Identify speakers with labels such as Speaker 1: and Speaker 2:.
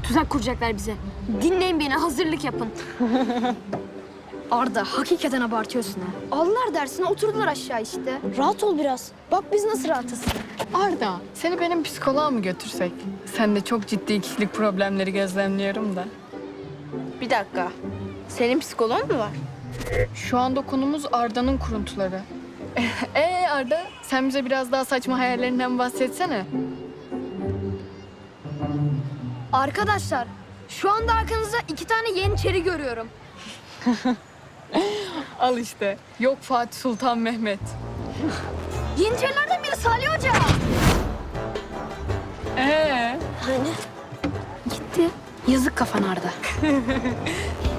Speaker 1: Tuzak kuracaklar bize. Dinleyin beni, hazırlık yapın. Arda, hakikaten abartıyorsun ha. Aldılar dersine, oturdular aşağı işte. Rahat ol biraz. Bak biz nasıl rahatız.
Speaker 2: Arda, seni benim psikoloğa mı götürsek? Sen de çok ciddi kişilik problemleri gözlemliyorum da.
Speaker 3: Bir dakika. Senin psikoloğun mu var?
Speaker 2: Şu anda konumuz Arda'nın kuruntuları. Arda, sen bize biraz daha saçma hayallerinden bahsetsene.
Speaker 1: Arkadaşlar, şu anda arkanızda 2 tane yeniçeri görüyorum.
Speaker 2: Al işte. Yok Fatih Sultan Mehmet.
Speaker 1: Yeniçerilerden biri Salih Hoca.
Speaker 2: Ee?
Speaker 1: Hani? Gitti. Yazık kafan Arda.